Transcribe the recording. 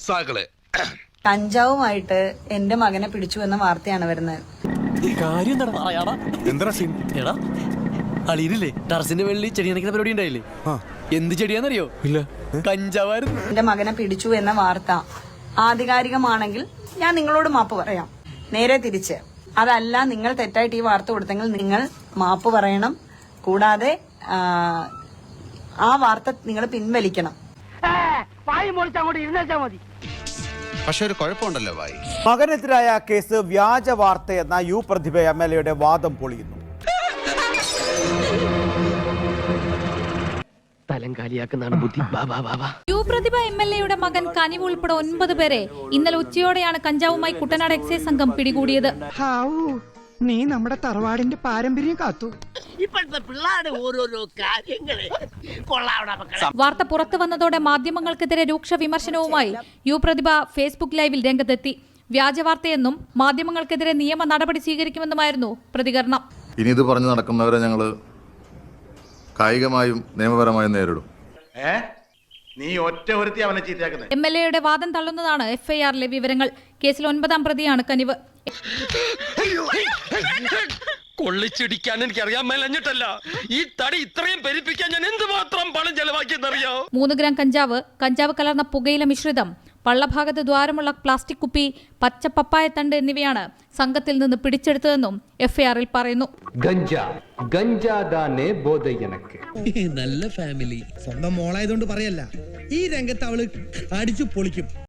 കഞ്ചാവുമായിട്ട് എന്റെ മകനെ പിടിച്ചു എന്ന വാർത്തയാണ് വരുന്നത്. അളിയില്ലേ ടെറസിന്റെ വെള്ളി ചെടി നനയ്ക്കുന്ന പരിപാടി ഉണ്ടായില്ലേ? എന്ത് ചെടിയാന്നറിയോ? ഇല്ല, കഞ്ചാവായിരുന്നു. എന്റെ മകനെ പിടിച്ചു എന്ന വാർത്ത ആധികാരികമാണെങ്കിൽ ഞാൻ നിങ്ങളോട് മാപ്പ് പറയാം. നേരെ തിരിച്ച് അതല്ല, നിങ്ങൾ തെറ്റായിട്ട് ഈ വാർത്ത കൊടുത്തെങ്കിൽ നിങ്ങൾ മാപ്പ് പറയണം. കൂടാതെ ആ വാർത്ത നിങ്ങൾ പിൻവലിക്കണം. പക്ഷെ ഒരു കുഴപ്പമുണ്ടല്ലോ ഭായി. മകനെതിരായ കേസ് വ്യാജ വാർത്തയെന്ന യു പ്രതിഭ MLA വാദം പൊളിയുന്നു. യു പ്രതിഭ MLA മകൻ കനിവ് ഉൾപ്പെടെ 9 പേരെ ഇന്നലെ ഉച്ചയോടെയാണ് കഞ്ചാവുമായി കുട്ടനാട് എക്സൈസ് സംഘം പിടികൂടിയത്. നീ നമ്മുടെ തറവാടിന്റെ പാരമ്പര്യം കാത്തു. വാർത്ത പുറത്തു വന്നതോടെ മാധ്യമങ്ങൾക്കെതിരെ രൂക്ഷ വിമർശനവുമായി യു പ്രതിഭ ഫേസ്ബുക്ക് ലൈവിൽ രംഗത്തെത്തി. വ്യാജവാർത്തയെന്നും മാധ്യമങ്ങൾക്കെതിരെ നിയമ നടപടി സ്വീകരിക്കുമെന്നുമായിരുന്നു പ്രതികരണം. ഇനി ഇത് പറഞ്ഞു നടക്കുന്നവരെ ഞങ്ങൾ കായികമായും നിയമപരമായും നേരിടും. MLA വാദം തള്ളുന്നതാണ് FIR-ലെ വിവരങ്ങൾ. കേസിൽ 9ാം പ്രതിയാണ് കനിവ്. കൊള്ളിച്ചിടിക്കാൻ എനിക്ക് അറിയാൻ മേലഞ്ഞിട്ടല്ല, ഈ തടി ഇത്രയും പെരുപ്പിക്കാൻ ഞാൻ എന്തുമാത്രം പണം ചെലവാക്കിയെന്നറിയോ? 3 ഗ്രാം കഞ്ചാവ് കലർന്ന പുകയില മിശ്രിതം, പള്ളഭാഗത്ത് ദ്വാരമുള്ള പ്ലാസ്റ്റിക് കുപ്പി, പച്ച പപ്പായത്തണ്ട് എന്നിവയാണ് സംഘത്തിൽ നിന്ന് പിടിച്ചെടുത്തതെന്നും FIR-ൽ പറയുന്നു. നല്ല ഫാമിലി. സ്വന്തം മോളായതുകൊണ്ട് പറയല്ല, ഈ രംഗത്ത് അവള് അടിച്ചു പൊളിക്കും.